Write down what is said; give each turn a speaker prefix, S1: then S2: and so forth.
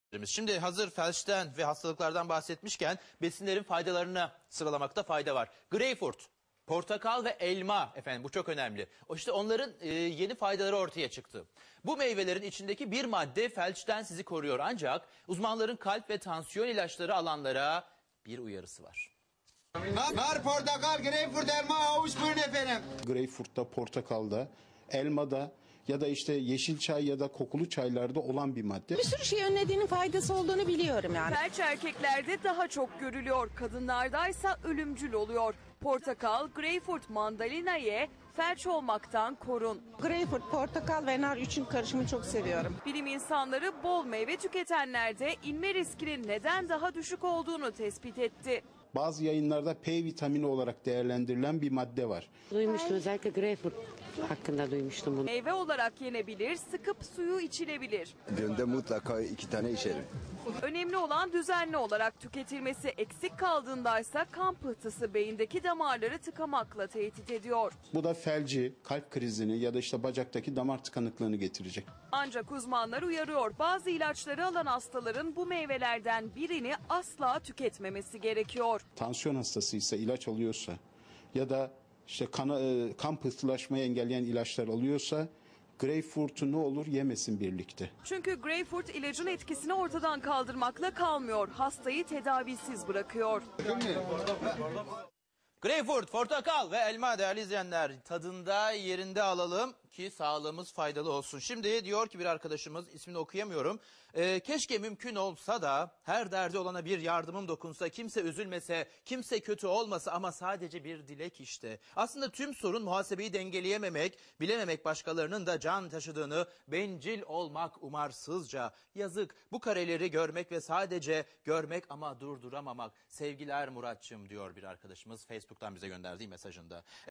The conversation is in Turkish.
S1: Şimdi hazır felçten ve hastalıklardan bahsetmişken besinlerin faydalarını sıralamakta fayda var. Greyfurt, portakal ve elma efendim, bu çok önemli. İşte onların yeni faydaları ortaya çıktı. Bu meyvelerin içindeki bir madde felçten sizi koruyor, ancak uzmanların kalp ve tansiyon ilaçları alanlara bir uyarısı var.
S2: Nar, portakal, greyfurt, elma, havuç buyurun efendim.
S3: Greyfurt'ta, portakalda, elmada ya da işte yeşil çay ya da kokulu çaylarda olan bir madde.
S4: Bir sürü şey önlediğinin faydası olduğunu biliyorum yani.
S5: Felç erkeklerde daha çok görülüyor, kadınlardaysa ölümcül oluyor. Portakal, greyfurt, mandalina ye, felç olmaktan korun.
S4: Greyfurt, portakal ve nar üçün karışımını çok seviyorum.
S5: Bilim insanları bol meyve tüketenlerde inme riskinin neden daha düşük olduğunu tespit etti.
S3: Bazı yayınlarda P vitamini olarak değerlendirilen bir madde var.
S6: Duymuştum, özellikle greyfurt hakkında duymuştum bunu.
S5: Meyve olarak yenebilir, sıkıp suyu içilebilir.
S7: Günde mutlaka 2 tane içerim.
S5: Önemli olan düzenli olarak tüketilmesi, eksik kaldığındaysa kan pıhtısı beyindeki damarları tıkamakla tehdit ediyor.
S3: Bu da felci, kalp krizini ya da işte bacaktaki damar tıkanıklığını getirecek.
S5: Ancak uzmanlar uyarıyor, bazı ilaçları alan hastaların bu meyvelerden birini asla tüketmemesi gerekiyor.
S3: Tansiyon hastasıysa, ilaç alıyorsa ya da işte kan pıhtılaşmayı engelleyen ilaçlar alıyorsa greyfurt'u ne olur yemesin birlikte.
S5: Çünkü greyfurt ilacın etkisini ortadan kaldırmakla kalmıyor, hastayı tedavisiz bırakıyor.
S1: Greyfurt, portakal ve elma değerli izleyenler, tadında yerinde alalım ki sağlığımız faydalı olsun. Şimdi diyor ki bir arkadaşımız, ismini okuyamıyorum. Keşke mümkün olsa da her derdi olana bir yardımım dokunsa, kimse üzülmese, kimse kötü olmasa, ama sadece bir dilek işte. Aslında tüm sorun muhasebeyi dengeleyememek, bilememek başkalarının da can taşıdığını, bencil olmak umarsızca. Yazık, bu kareleri görmek ve sadece görmek ama durduramamak. Sevgiler Muratçım, diyor bir arkadaşımız Facebook'tan bize gönderdiği mesajında.